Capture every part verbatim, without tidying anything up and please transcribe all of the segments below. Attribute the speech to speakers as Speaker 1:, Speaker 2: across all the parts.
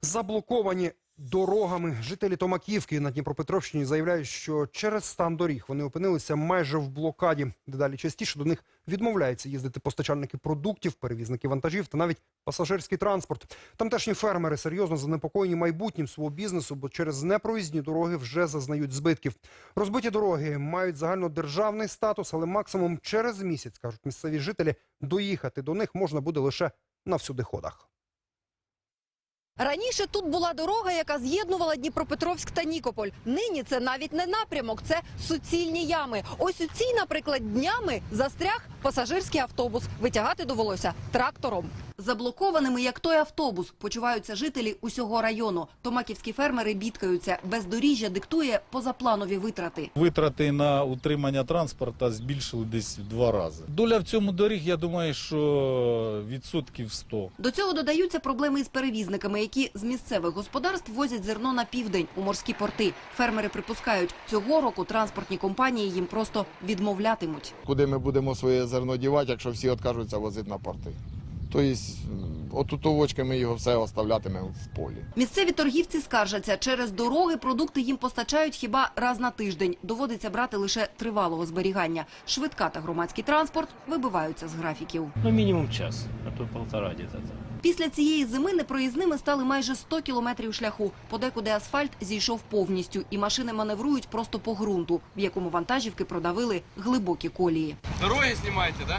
Speaker 1: Заблоковані дорогами. Жителі Томаківки на Дніпропетровщині заявляють, що через стан доріг вони опинилися майже в блокаді. Дедалі частіше до них відмовляються їздити постачальники продуктів, перевізники вантажів та навіть пасажирський транспорт. Тамтешні фермери серйозно занепокоєні майбутнім свого бізнесу, бо через непроїзні дороги вже зазнають збитків. Розбиті дороги мають загальнодержавний статус, але максимум через місяць, кажуть місцеві жителі, доїхати до них можна буде лише на всюдиходах.
Speaker 2: Раніше тут була дорога, яка з'єднувала Дніпропетровськ та Нікополь. Нині це навіть не напрямок, це суцільні ями. Ось у цій, наприклад, днями застряг пасажирський автобус. Витягати довелося трактором. Заблокованими, як той автобус, почуваються жителі усього району. Томаківські фермери бідкаються. Бездоріжжя диктує позапланові витрати.
Speaker 3: Витрати на утримання транспорту збільшили десь в два рази. Доля в цьому доріг, я думаю, що відсотків сто.
Speaker 2: До цього додаються проблеми із перевізниками, які з місцевих господарств возять зерно на південь у морські порти. Фермери припускають, цього року транспортні компанії їм просто відмовлятимуть.
Speaker 4: Куди ми будемо своє зерно дівати, якщо всі відкажуться возити на порти? Тобто, отутовочки ми його все оставлятимемо в полі.
Speaker 2: Місцеві торгівці скаржаться, через дороги продукти їм постачають хіба раз на тиждень. Доводиться брати лише тривалого зберігання. Швидка та громадський транспорт вибиваються з графіків.
Speaker 5: Ну, мінімум час, а то полтора десь.
Speaker 2: Після цієї зими непроїзними стали майже сто кілометрів шляху. Подекуди асфальт зійшов повністю, і машини маневрують просто по ґрунту, в якому вантажівки продавили глибокі колії.
Speaker 6: Дороги знімайте, да?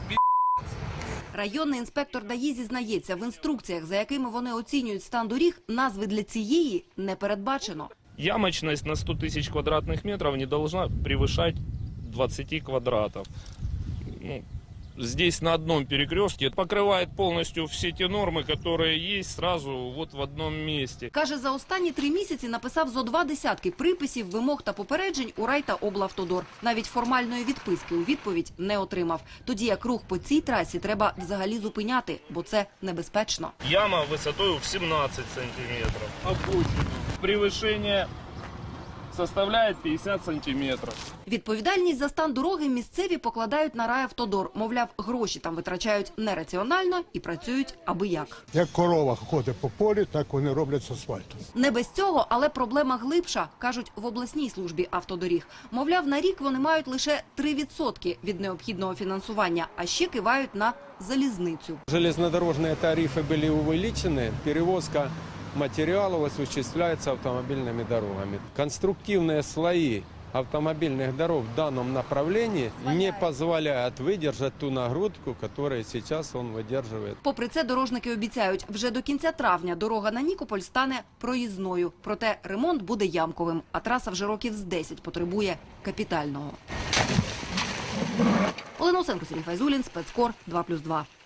Speaker 2: Районний інспектор ДАІ зізнається, в інструкціях, за якими вони оцінюють стан доріг, назви для цієї не передбачено.
Speaker 5: Ямочность на сто тысяч квадратных метров не должна превышать двадцать квадратов. Ну, здесь на одном перекрестке покрывает полностью все те нормы, которые есть сразу вот в одном месте.
Speaker 2: Каже, за останні три місяці написав зо два десятки приписів, вимог та попереджень у рай та облавтодор. Навіть формальної відписки у відповідь не отримав. Тоді як рух по цій трасі треба взагалі зупиняти, бо це небезпечно.
Speaker 5: Яма высотой в семнадцать сантиметров. Обочина. Превышение составляет пятьдесят сантиметров.
Speaker 2: Відповідальність за стан дороги місцеві покладають на райавтодор. Мовляв, гроші там витрачають нераціонально і працюють аби як.
Speaker 7: Як корова ходить по полі, так вони роблять з асфальтом.
Speaker 2: Не без цього, але проблема глибша, кажуть в обласній службі автодоріг. Мовляв, на рік вони мають лише три відсотки від необхідного фінансування, а ще кивають на залізницю.
Speaker 8: Железнодорожные тарифы были увеличены, перевозка материалов осуществляется автомобильными дорогами. Конструктивные слои автомобильных дорог в данном направлении не позволяют выдержать ту нагрузку, которую сейчас он выдерживает.
Speaker 2: Попри це, дорожники обіцяють, вже до кінця травня дорога на Нікополь стане проїзною. Проте ремонт буде ямковим, а траса вже років з десять потребує капітального. Олена Осенко, Сергій Файзулін, Спецкор, два плюс два.